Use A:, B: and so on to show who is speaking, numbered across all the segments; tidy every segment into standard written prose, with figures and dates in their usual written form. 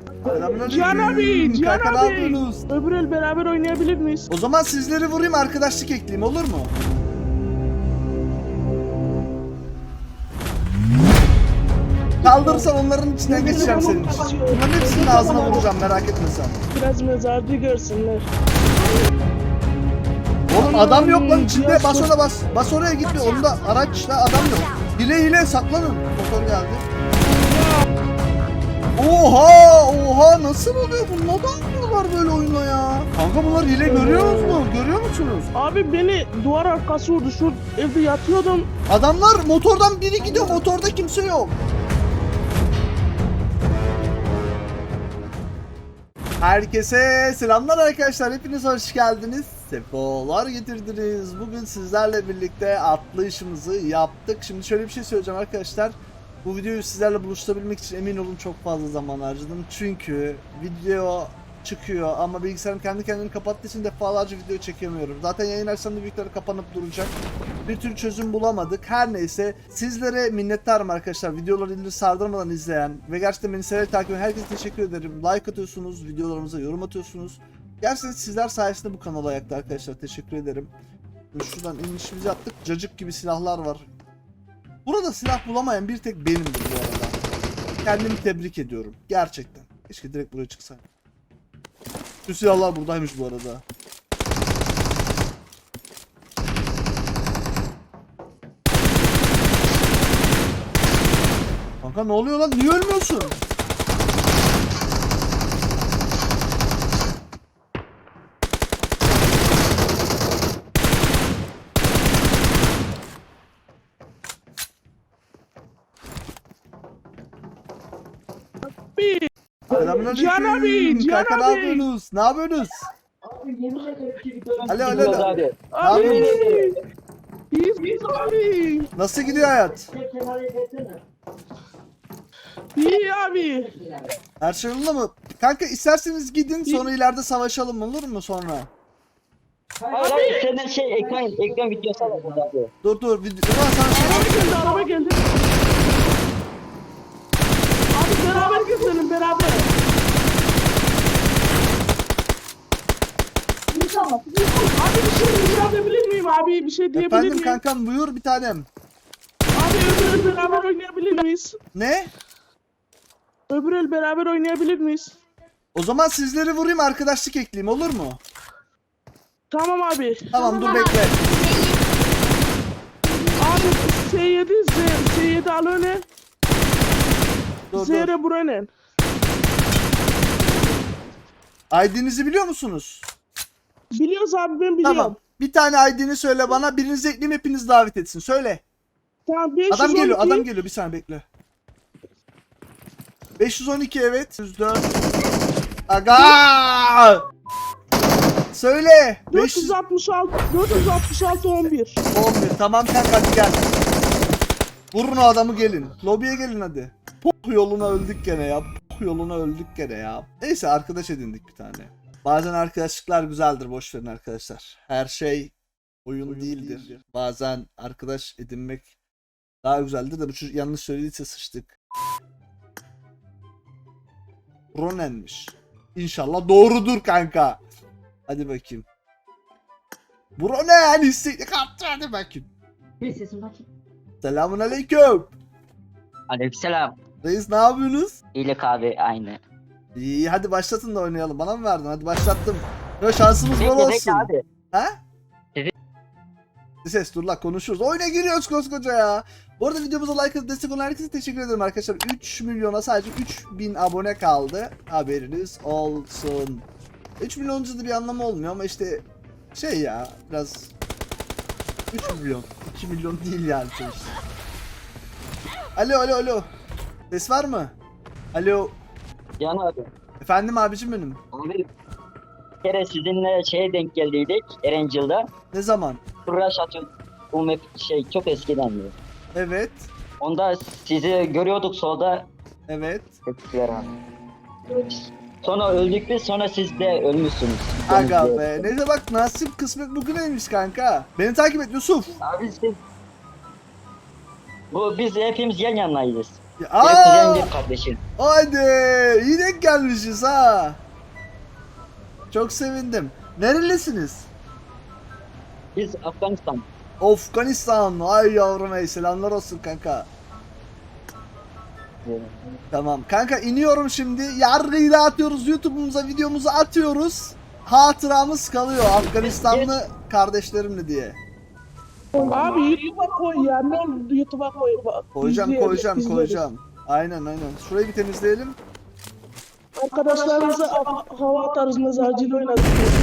A: Cihan abi, Cihan
B: Kanka ne
A: abi.
B: yapıyorsunuz?
A: Öbür el beraber oynayabilir miyiz?
B: O zaman sizleri vurayım, arkadaşlık ekleyeyim, olur mu? Kaldırırsan onların içinden geçeceğim senin için. Bunların hepsinin ağzına vuracağım, merak etme sen.
A: Biraz mezarcı görsünler.
B: Oğlum adam yok lan içinde, bas ona bas. Bas oraya gitme, onda araçta adam yok. Hile saklanın. Motor geldi. Oha nasıl oluyor bu? Neden oynuyorlar böyle oyunla ya? Kanka bunlar hile görüyor musunuz? Görüyor musunuz?
A: Abi beni duvar arkası vurdu. Şu evde yatıyordum.
B: Adamlar motordan biri gidiyor, motorda kimse yok. Herkese selamlar arkadaşlar, hepiniz hoş geldiniz. Sefalar getirdiniz. Bugün sizlerle birlikte atlayışımızı yaptık. Şimdi şöyle bir şey söyleyeceğim arkadaşlar. Bu videoyu sizlerle buluşturabilmek için emin olun çok fazla zaman harcadım. Çünkü video çıkıyor ama bilgisayarım kendi kendini kapattığı için defalarca video çekemiyorum. Zaten yayın açsam da büyükleri kapanıp duracak. Bir tür çözüm bulamadık. Her neyse sizlere minnettarım arkadaşlar. Videoları indir sardırmadan izleyen ve gerçekten beni severek takip eden herkese teşekkür ederim. Like atıyorsunuz, videolarımıza yorum atıyorsunuz. Gerçekten sizler sayesinde bu kanal ayakta arkadaşlar. Teşekkür ederim. Şuradan inişimizi yaptık. Cacık gibi silahlar var. Burada silah bulamayan bir tek benimdir bu arada. Kendimi tebrik ediyorum. Gerçekten. Keşke direkt buraya çıksaydım. Şu silahlar buradaymış bu arada. Kanka ne oluyor lan? Niye ölmüyorsun?
A: Cihan abi, Cihan
B: Kanka ne
A: abi.
B: yapıyorsunuz? Ne yapıyorsunuz? Alo.
C: Abi.
A: Abi. İyiyiz abi.
B: Nasıl gidiyor hayat?
A: İyi abi.
B: Her şey yolunda mı? Kanka isterseniz gidin sonra ileride savaşalım, olur mu sonra?
C: Hayır senden ekran videosu alalım abi.
B: Dur. Ulan sana şey...
A: Araba geldi. Abi beraber gezelim beraber. Abi bir şey diyebilir miyim abi? Bir şey diyebilir
B: Efendim
A: miyim?
B: kankam buyur bir tanem.
A: Abi öbür el beraber oynayabilir miyiz?
B: Ne?
A: Öbür el beraber oynayabilir miyiz?
B: O zaman sizleri vurayım, arkadaşlık ekleyeyim, olur mu?
A: Tamam abi.
B: Tamam dur bekle.
A: Abi S7 al öne.
B: Dur.
A: Z'ye bura ne?
B: ID'nizi biliyor musunuz?
A: Biliyoruz abi ben biliyorum.
B: Tamam. Bir tane ID'ni söyle bana, birinizi ekleyeyim, hepiniz davet etsin. Söyle.
A: Tamam 512.
B: Adam geliyor bir saniye bekle. 512 evet. 104. Aga! Söyle.
A: 466 11.
B: 11. Tamam kanka hadi gel. Vurun o adamı gelin. Lobiye gelin hadi. Poh yoluna öldük gene ya. Poh yoluna öldük gene ya. Neyse arkadaş edindik bir tane. Bazen arkadaşlıklar güzeldir, boş verin arkadaşlar. Her şey oyun değildir. Bazen arkadaş edinmek daha güzeldir de bu çocuk yanlış söylediyse sıçtık. Ronen'miş. İnşallah doğrudur kanka. Hadi bakayım. Bronen istekli kaptı, hadi bakayım.
C: Bir sesim bakayım.
B: Selamun aleyküm.
C: Aleykümselam.
B: Reis ne yapıyorsunuz?
C: İyilik abi aynı.
B: İyi hadi başlatın da oynayalım. Bana mı verdin? Hadi başlattım. Ya şansımız bol olsun.
C: abi.
B: Ha?
C: Evet.
B: Ses dur la konuşuyoruz. Oyuna giriyoruz koskoca ya. Bu arada videomuza like atıp destek olan herkese teşekkür ederim arkadaşlar. 3 milyona sadece 3000 abone kaldı. Haberiniz olsun. 3 milyoncu da bir anlamı olmuyor ama işte şey ya biraz 3 milyon 2 milyon değil yani sonuçta. Alo. Ses var mı? Alo.
C: Can abi.
B: Efendim abicim benim.
C: Abi bir kere sizinle şeye denk geldiydik Erencil'de.
B: Ne zaman?
C: Rush atıyor. Bu map çok eskiden diyor.
B: Evet.
C: Onda sizi görüyorduk solda.
B: Evet.
C: Tepkiler abi. Sonra öldük biz, sonra siz de ölmüşsünüz.
B: Aga be. Neyse bak nasip kısmet bugüneymiş kanka. Beni takip et Yusuf.
C: Abi siz... Biz hepimiz yan yanayız.
B: Ya,
C: Bir kuzen bir kardeşim.
B: Haydi. İyi denk gelmişiz ha. Çok sevindim. Nerelisiniz?
C: Biz Afganistan.
B: Afganistan. Ay yavrum ey, selamlar olsun kanka. Tamam kanka, iniyorum şimdi. Yargıyı dağıtıyoruz. YouTube'umuza videomuzu atıyoruz. Hatıramız kalıyor Afganistanlı kardeşlerimle diye.
A: Abi YouTube'a koy ya. Ne olur YouTube'a koy. Bak,
B: Koyacağım
A: izleyelim,
B: koyacağım
A: izleriz.
B: koyacağım. Aynen. Şurayı bir temizleyelim.
A: Arkadaşlarımıza hava atarız, mezarcıyla oynarız.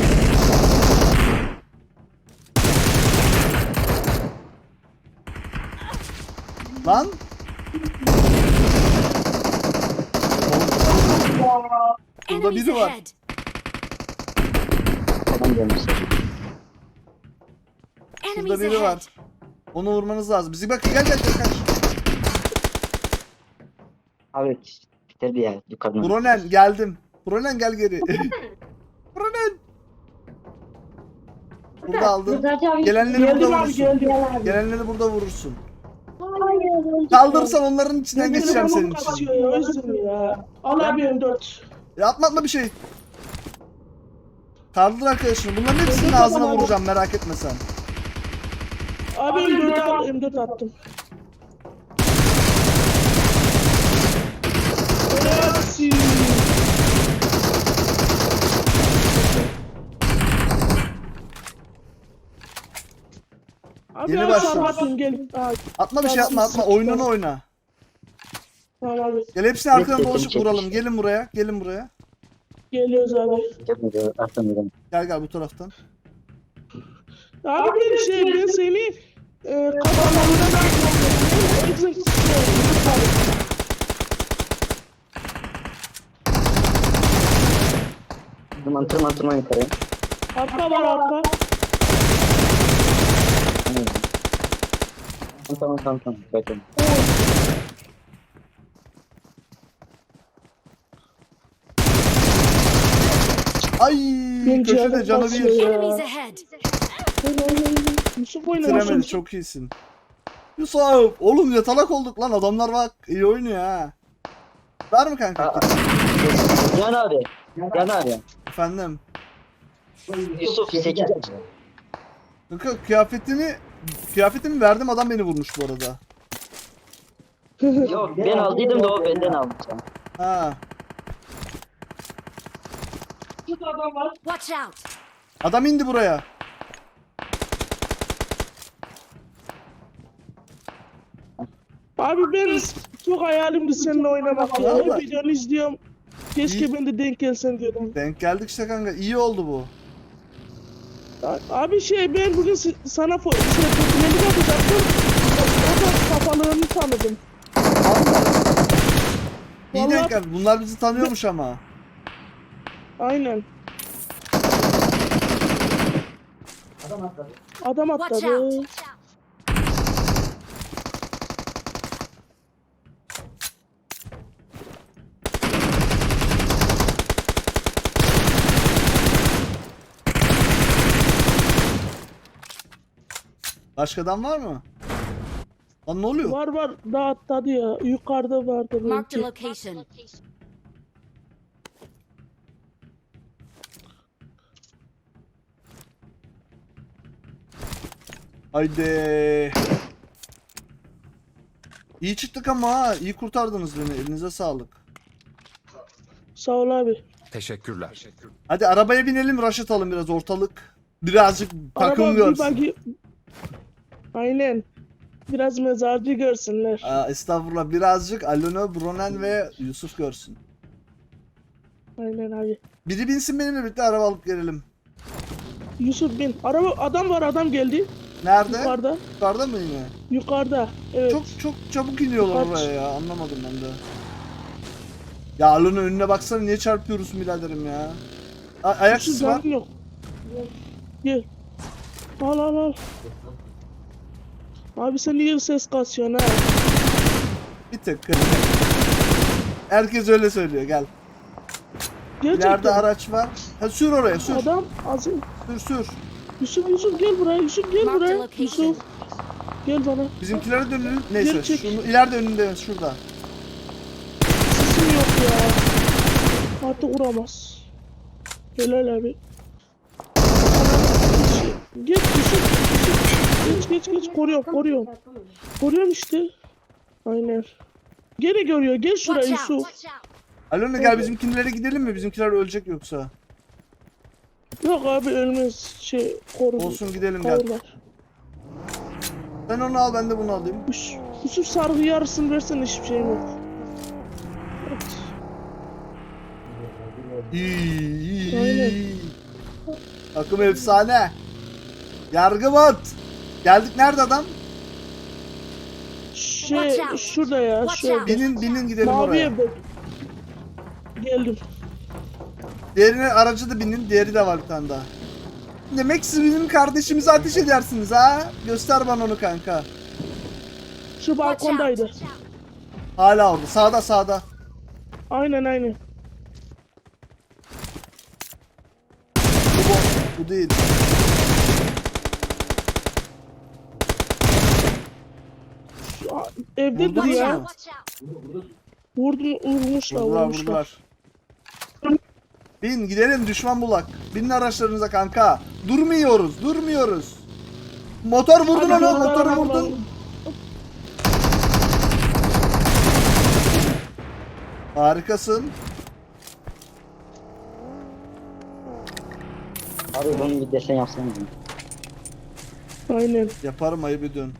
B: Lan. Burada
D: Enemies
B: biri var.
D: ahead.
C: Adam gelmiş.
D: Enemies
B: Burada biri var.
D: ahead.
B: Onu vurmanız lazım. Bizi bak, gel kaç.
C: Abi bitirdi ya yukarıdan.
B: Bronen geldim. Bronen gel geri. Bronen. Burada aldın. Gelenleri burada
A: Geldim abi,
B: vurursun.
A: geldim abi.
B: Gelenleri burada vurursun. Kaldırsan onların içinden geçeceğim senin için.
A: Kasıyor ya, özür ya. Al abi M4.
B: Ya atma bir şey. Kaldır arkadaşını. Bunların hepsinin ağzına vuracağım, merak etme sen.
A: Abi M4 al, M4 attım. Hepsi. Abi
B: Yeni
A: al,
B: başlıyoruz.
A: sarmatın, gel. Al,
B: Atma bir şey, atma. Oyununu oyna.
A: tamam abi.
B: Gel, hepsini arkadan
C: Yok,
B: dolaşıp
C: yok,
B: vuralım. Gelin buraya.
A: Geliyoruz abi.
C: Gelmedi. Arkamdan.
B: Gel bu taraftan.
A: Abi ben seni kafalarına da
C: Tırman yukarı.
A: arka var arka.
C: Tamam. Bakın.
B: Ay,
A: Bence
B: köşede
A: adam
B: canı
A: basıyor
B: bir.
A: ya.
D: Enemies ahead.
A: Yusuf oyna
B: Bitiremedi,
A: Yusuf.
B: çok iyisin. Yusuf, oğlum yatalak olduk lan, adamlar bak iyi oynuyor ha. Var mı kanka?
C: Aa. Can abi.
B: Efendim.
C: Yusuf 8.
B: Kanka kıyafetimi verdim, adam beni vurmuş bu arada.
C: Yok ben aldıydım da o benden aldı.
B: Ha.
D: Watch out.
B: Adam indi buraya.
A: Abi ben çok hayalimdi seninle oynamak ya.
B: Vallahi.
A: Hep videonu izliyorum. Keşke ben de denk gelsen diyordum.
B: Denk geldik işte kanka, iyi oldu bu.
A: Abi ben bugün sana fotoğrafını yapacaktım. O da kafalığını tanıdım.
B: İyi
A: Vallahi-
B: denk geldi. Bunlar bizi tanıyormuş ama.
A: Aynen. Adam
D: Watch
A: atladı.
D: out.
B: Başka adam var mı? Lan ne oluyor?
A: Var daha atladı ya. Yukarıda vardı
D: Marked a
A: belki.
D: location.
B: Haydi. İyi çıktık ama ha. İyi kurtardınız beni. Elinize sağlık.
A: Sağ ol abi.
E: Teşekkürler.
B: Hadi arabaya binelim, rush atalım biraz ortalık. Birazcık takım
A: Araba bir
B: görsün.
A: Aynen. Biraz mezarcı görsünler.
B: Aa, estağfurullah, birazcık Alona, Bronen ve Yusuf görsün.
A: Aynen abi.
B: Biri binsin benimle birlikte, araba alıp gelelim.
A: Yusuf bin. Adam geldi.
B: Nerede?
A: Yukarıda.
B: Yukarıda mı yine?
A: Yukarıda. Evet.
B: Çok çabuk iniyorlar
A: Kaç?
B: oraya ya, anlamadım ben de. Ya Alona, önüne baksana, niye çarpıyoruz biraderim ya? Ayak
A: Yusuf
B: sesi var.
A: canın yok. Gel. Al. Abi sen niye ses kasıyorsun ha?
B: Bir tık. Herkes öyle söylüyor, gel.
A: Gerçekten.
B: İleride araç var. Ha, sür oraya, sür.
A: Adam az.
B: Sür.
A: Yusuf gel buraya. Yusuf gel
D: Marked a
A: buraya.
D: location.
A: Yusuf. Gel bana.
B: Bizimkilere dönelim. Neyse,
A: Gerçek.
B: şunu ileride, önünde, şurada.
A: Sesim yok. ya. Artık vuramaz. Helal abi. Geç geç koruyorum. Koruyorum işte. Aynen. Geri görüyor. Gel şuraya
D: Watch out!
A: Yusuf.
D: Watch out!
B: Alona gel bizimkinlere gidelim mi? Bizimkiler ölecek yoksa.
A: Yok abi ölmez. Koru.
B: Olsun gidelim gel.
A: Kavurlar.
B: Sen onu al ben de bunu alayım.
A: Yusuf sargı yarısını versen hiçbir şeyim yok. Evet.
B: İyi.
A: Aynen.
B: Takım efsane. Yargı bot. Geldik nerede adam?
D: Watch out.
A: Şurada ya.
D: Watch
A: Şöyle.
D: out.
B: Binin gidelim
A: Mavi
B: oraya.
A: evde. Geldim.
B: Diğerine aracı da binin. Diğeri de var bir tane daha. Demek siz bizim kardeşimize ateş edersiniz ha? Göster bana onu kanka.
A: Şu
D: Watch out!
A: balkondaydı.
D: Watch out!
B: Hala orada. Sağda.
A: Aynen.
B: Bu değil.
A: Evdedir
B: Vurdunuz
A: ya.
B: mu?
D: Watch out!
A: Vurmuşlar.
B: Vurdular. Bin gidelim düşman bulak. Binin araçlarınıza kanka. Durmuyoruz. Motor vurdun
A: Hadi
B: onu.
A: dur,
B: Motoru
A: dur,
B: vurdun.
A: dur.
B: Harikasın.
C: Abi bunu bir desen yapsana.
A: Aynen.
B: Yaparım ayıp ediyorsun.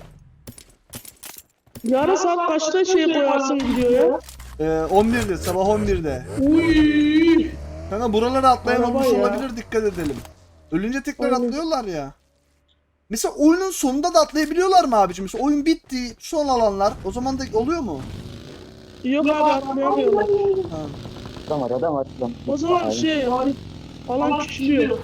A: Yarın saat kaçta koyarsın gidiyor ya?
B: 11'de sabah 11'de.
A: Uy.
B: Kanka buralara atlayan
A: Araba
B: olmuş
A: ya.
B: olabilir dikkat edelim. Ölünce tekrar
A: Aynen.
B: atlıyorlar ya. Mesela oyunun sonunda da atlayabiliyorlar mı abicim? Mesela oyun bitti son alanlar o zaman da oluyor mu?
A: Yok abi atlayamıyorlar.
B: Ha.
C: Adam var.
A: O zaman alan küçülüyor.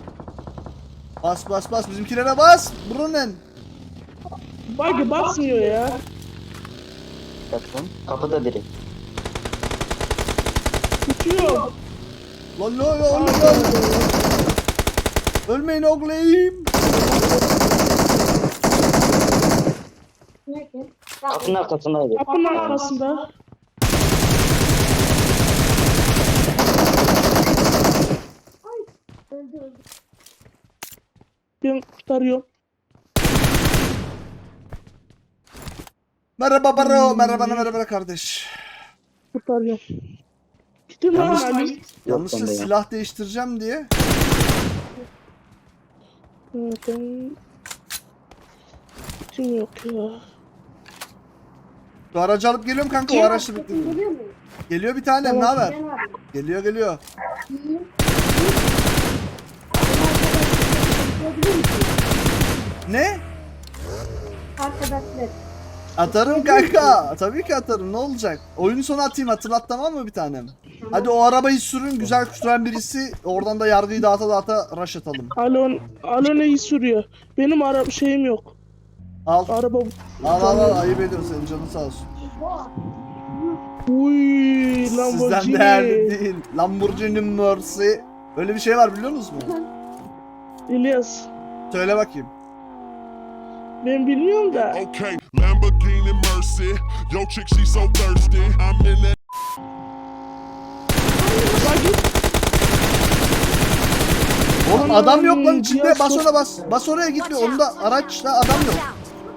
B: Bas bizimkilere bas. Brunnen.
A: Bagi basmıyor ya.
C: Bakın. Kapıda direkt.
A: Tutuyor.
B: Lan. Ölmeyin oğlum.
C: Kapının arkasındaydı.
A: Kapının arkasında. Ben kurtarıyorum.
B: Merhaba baro. Merhaba kardeş.
A: Kurtarıyorum. Gittim lan
B: Yalnız-
A: Ali.
B: Yanlışlıkla
C: bende ya.
B: silah değiştireceğim diye.
A: Ben... Kim yok ya?
B: Şu aracı alıp geliyorum kanka o araçla bekliyorum. Geliyor bir tanem ne haber? Geliyor. Ne?
E: Arkadaşlar.
B: Atarım kanka. Tabii ki atarım. Ne olacak? Oyunun sonu atayım hatırlat tamam mı bir tanem? Hadi o arabayı sürün güzel süren birisi. Oradan da yargıyı dağıta rush atalım.
A: Alon sürüyor. Benim şeyim yok.
B: Al.
A: Araba...
B: Al ayıp ediyorsun senin canın sağ olsun.
A: Uy,
B: Sizden
A: Lamborghini.
B: değerli değil. Lamborghini Mercy. Öyle bir şey var biliyor musunuz mu?
A: İlyas.
B: Söyle bakayım.
A: Ben bilmiyorum da.
F: Okay, Lamborghini Mercy. Yo, chick, she so thirsty. I'm in that.
A: Bagi.
B: Oğlum adam yok lan içinde
A: Cihaz
B: bas
A: çok-
B: ona bas. Bas oraya gitme. Onda araçta adam yok.
D: Watch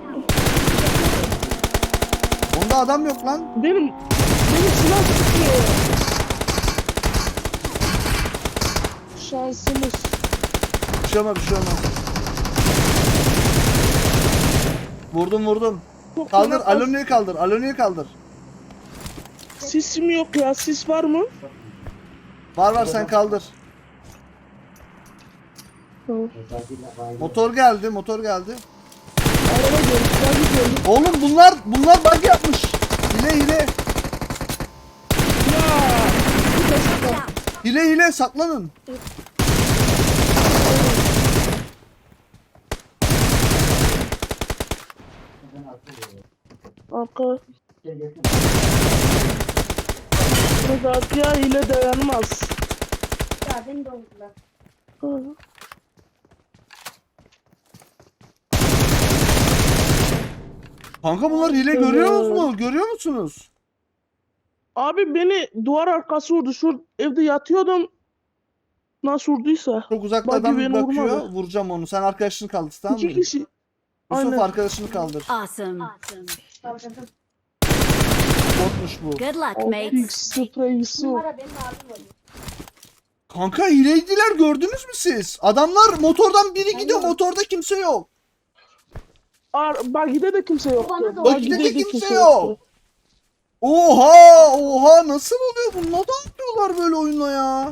D: out!
B: Onda adam yok lan.
A: Benim silah tutuyor. Şansımız.
B: Bir şey olmaz. Vurdum.
A: Çok
B: Kaldır
A: fena
B: Aloni'yi kaldır.
A: Sisim yok ya. Sis var mı?
B: Var sen kaldır.
A: Tamam.
B: Motor geldi.
A: Araba geldi. Bagi geldi.
B: Oğlum bunlar bug yapmış. Hile.
A: Ya. Bir de
D: Watch
A: sıkar.
D: out!
B: Hile saklanın.
A: Arka. Radya ile dayanmaz.
E: Ya beni doldular.
A: Hı.
B: Kanka bunlar hile görüyor musunuz?
A: Abi beni duvar arkası vurdu. Şu evde yatıyordum. Nasıl vurduysa.
B: Çok uzaklardan
A: Buggy
B: bir
A: beni
B: bakıyor.
A: vurmadı.
B: Vuracağım onu. Sen arkadaşını kaldır, tamam mı?
A: İki kişi.
B: Yusuf
A: Aynen.
B: arkadaşını kaldır.
D: Awesome.
E: Kaldırdım.
B: Botmuş bu.
D: Good luck,
A: Optik
D: mates.
A: spreyisi.
E: Numara benim abim oluyor.
B: Kanka hileydiler, gördünüz mü siz? Adamlar motordan biri gidiyor, motorda kimse yok.
A: Buggy'de de kimse yoktu.
E: Bana da
B: Buggy'de de kimse yok. Oha nasıl oluyor bu? Neden yapıyorlar böyle oyuna ya?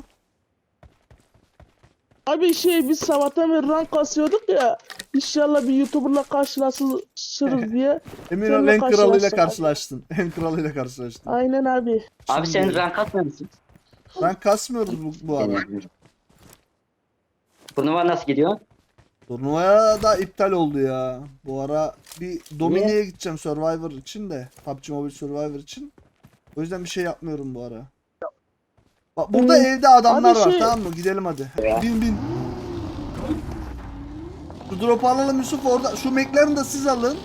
A: Abi biz sabahtan beri rank kasıyorduk ya. İnşallah bir YouTuber'la karşılaşırız diye.
B: Emin
A: Seninle
B: ol en kralıyla
A: karşılaştık.
B: karşılaştın. En kralıyla karşılaştın.
A: Aynen abi.
C: Abi sen rank atmıyor musun?
B: Ben kasmıyoruz bu ara.
C: Turnuva nasıl gidiyor?
B: Turnuvaya da iptal oldu ya. Bu ara bir Domine'ye gideceğim Survivor için de. PUBG Mobile Survivor için. O yüzden bir şey yapmıyorum bu ara. Bak burada evde adamlar
A: Abi
B: var,
A: şey-
B: tamam mı? Gidelim hadi.
C: Ya.
B: Bin. Şu drop'u alalım Yusuf orada. Şu McLaren'ı da siz alın.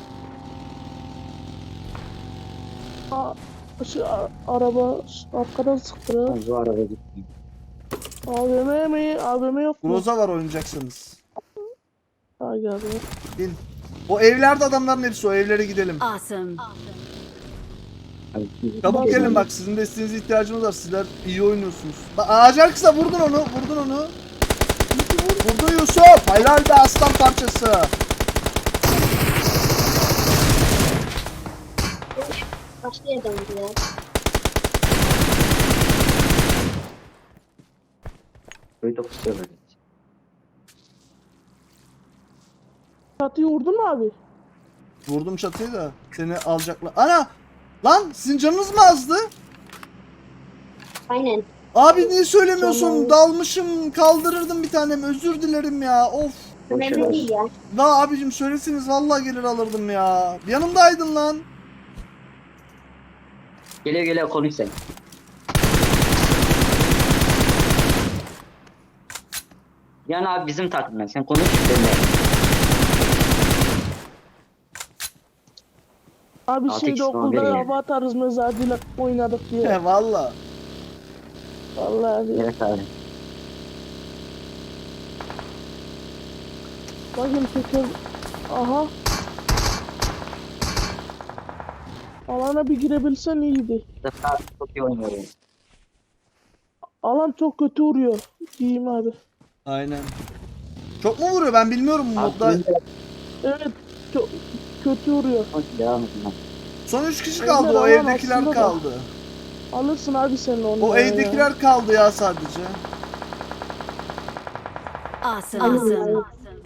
A: Araba arkadan sıktı. ha.
C: Bu araba gitti.
A: AVM mi? AVM yok mu?
B: Groza var oynayacaksınız.
A: Ha geldi.
B: Bin. O evlerde adamların hepsi, o evlere gidelim.
D: Awesome.
B: Çabuk gelin bak, sizin desteğinize ihtiyacımız var. Sizler iyi oynuyorsunuz. Bak ağacı arkasına vurdun onu. Vurdun Yusuf. Helal be aslan parçası.
E: Başka yerden vuruyor.
C: Böyle çok istiyorum.
A: Çatıyı vurdun mu abi?
B: Vurdum çatıyı da seni alacaklar. Ana! Lan sizin canınız mı azdı?
E: Aynen.
B: Abi niye söylemiyorsun?
A: Canım.
B: Dalmışım, kaldırırdım bir tanem. Özür dilerim ya. Of.
E: Önemli değil ya.
B: La abicim söyleseniz vallahi gelir alırdım ya. Yanımdaydın lan.
C: Geliyor konuş sen. Yani abi bizim takımdan sen konuş benimle.
A: Abi
C: 6x
A: şeyde
C: falan
A: okulda
C: veriyor.
A: hava atarız mezarcıyla oynadık diye.
B: He valla.
A: Vallahi abi.
C: Evet abi.
A: Bakın teker. Aha. Alana bir girebilsen iyiydi.
C: Zaten çok iyi oynuyorum.
A: Alan çok kötü vuruyor. Diyeyim abi.
B: Aynen. Çok mu vuruyor? Ben bilmiyorum bu modda.
C: Abi
A: Evet. Çok kötü vuruyor.
C: devam edin.
B: Son 3 kişi
A: Evler
B: kaldı. O
A: alan
B: evdekiler
A: aslında da.
B: kaldı.
A: Alırsın abi sen onu.
B: O
A: ya.
B: evdekiler kaldı ya sadece.
D: Awesome.
A: Awesome.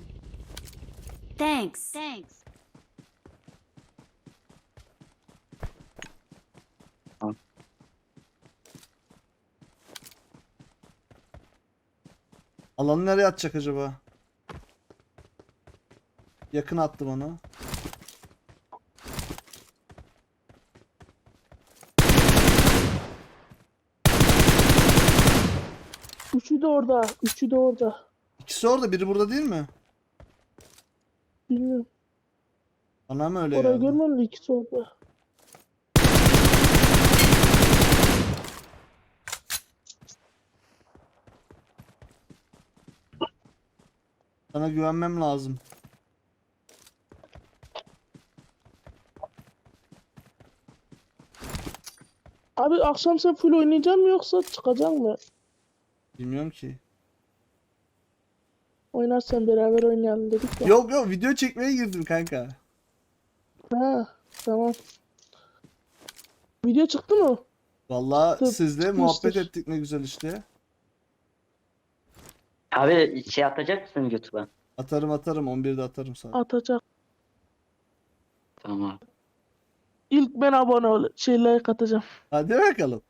D: Thanks.
B: Alanı nereye atacak acaba? Yakın attım onu.
A: Üçü de orada. Üçü de orada.
B: İkisi orada, biri burada değil mi?
A: Bilmiyorum.
B: Bana mı öyle
A: Orayı
B: geldi?
A: görmem de ikisi orada.
B: Sana güvenmem lazım.
A: Abi akşam sen full oynayacak mı yoksa çıkacak mı?
B: Bilmiyorum ki.
A: Oynarsan beraber oynayalım dedik ya.
B: Yok video çekmeye girdim kanka.
A: Ha, tamam. Video çıktı mı?
B: Vallahi
A: Tıp,
B: sizle
A: çıkmıştır.
B: muhabbet ettik ne güzel işte.
C: Abi şey atacak mısın YouTube'a?
B: Atarım 11'de atarım sana.
A: Atacak.
C: Tamam abi.
A: İlk ben abone ol. Like atacağım.
B: Hadi bakalım.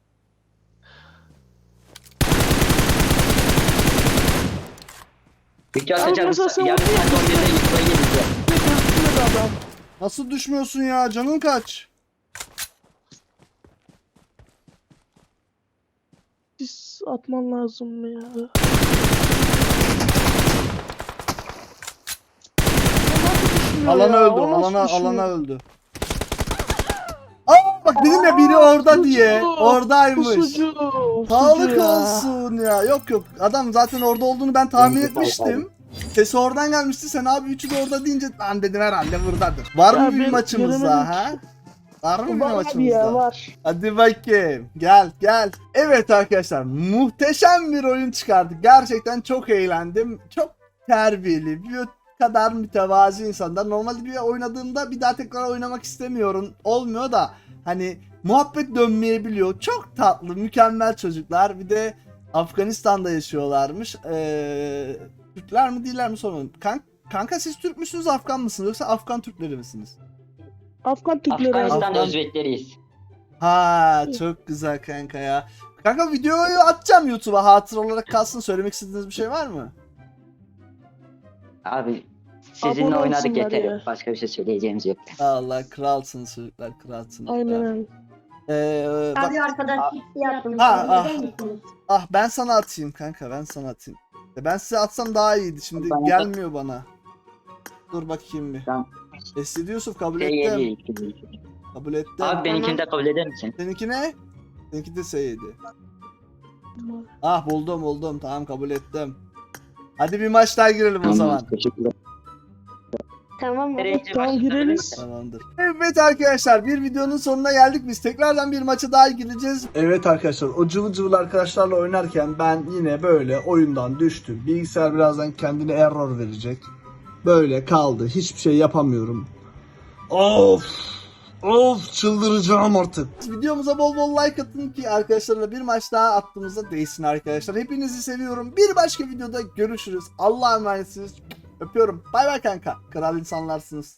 C: Video
A: Abi
C: atacak
A: mesela
C: mısın?
A: sen
C: Yarın
A: onu
C: saat 11'de YouTube'a geleceğim.
A: Bir de gözükmüyor adam.
B: Nasıl düşmüyorsun ya? Canın kaç?
A: Sis atman lazım ya. O nasıl düşmüyor
B: Alana
A: ya?
B: öldü.
A: O nasıl düşmüyor?
B: Alana öldü. Aa bak Dedim ya biri orada diye.
A: Pusucu,
B: Oradaymış.
A: Pusucu.
B: Sağlık
A: pusucu ya.
B: olsun ya. Yok yok. Adam zaten orada olduğunu ben tahmin etmiştim. Sesi oradan gelmişti. Sen abi üçü de orada deyince lan dedim herhalde buradadır. Var
A: Ya
B: mı bir
A: ben
B: maçımız
A: göremedim
B: daha ha? Var mı bir
A: Var abi
B: maçımız
A: ya
B: daha?
A: var.
B: Hadi bakayım. Gel gel. Evet arkadaşlar muhteşem bir oyun çıkardık. Gerçekten çok eğlendim. Çok terbiyeli. Bir kadar mütevazi insanlar. Normalde bir oynadığımda bir daha tekrar oynamak istemiyorum. Olmuyor da hani muhabbet dönmeyebiliyor. Çok tatlı, mükemmel çocuklar. Bir de Afganistan'da yaşıyorlarmış. Türkler mi değiller mi sormadım. Kanka siz Türk müsünüz, Afgan mısınız yoksa Afgan Türkleri misiniz?
A: Afgan Türkleri abi.
C: Afganistan
B: Afgan-
C: Özbekleriyiz.
B: Ha çok güzel kanka ya. Kanka videoyu atacağım YouTube'a, hatıra olarak kalsın. Söylemek istediğiniz bir şey var mı?
C: Abi sizinle
A: Abone
C: oynadık
A: olsunlar
C: yeter.
A: ya.
C: Başka bir şey söyleyeceğimiz yok.
B: Allah kralsınız çocuklar, kralsınız.
A: Aynen öyle.
B: Bak,
E: Abi arkadaş gitti yaptım.
B: Ha,
E: Neden gittiniz?
B: ben sana atayım kanka, ben sana atayım. Ben size atsam daha iyiydi, şimdi
C: Bana
B: gelmiyor bana. Dur bakayım bir.
C: Tamam.
B: Esidi Yusuf kabul
C: Şey
B: ettim.
C: geliyor.
B: Kabul ettim.
C: Abi benimkini de kabul eder misin?
B: Seninki ne? Seninki de Seyidi. Ah buldum, tamam kabul ettim. Hadi bir maç daha girelim o zaman.
C: Teşekkürler.
E: Tamam mı?
A: Tamam gireriz.
B: Tamamdır. Evet arkadaşlar bir videonun sonuna geldik. Biz tekrardan bir maça daha gireceğiz. Evet arkadaşlar o cıvıl cıvıl arkadaşlarla oynarken ben yine böyle oyundan düştüm. Bilgisayar birazdan kendine error verecek. Böyle kaldı. Hiçbir şey yapamıyorum. Of çıldıracağım artık. Videomuza bol bol like atın ki arkadaşlarla bir maç daha attığımızda değsin arkadaşlar. Hepinizi seviyorum. Bir başka videoda görüşürüz. Allah'a emanetsiniz. Öpüyorum. Bay bay kanka. Kral insanlarsınız.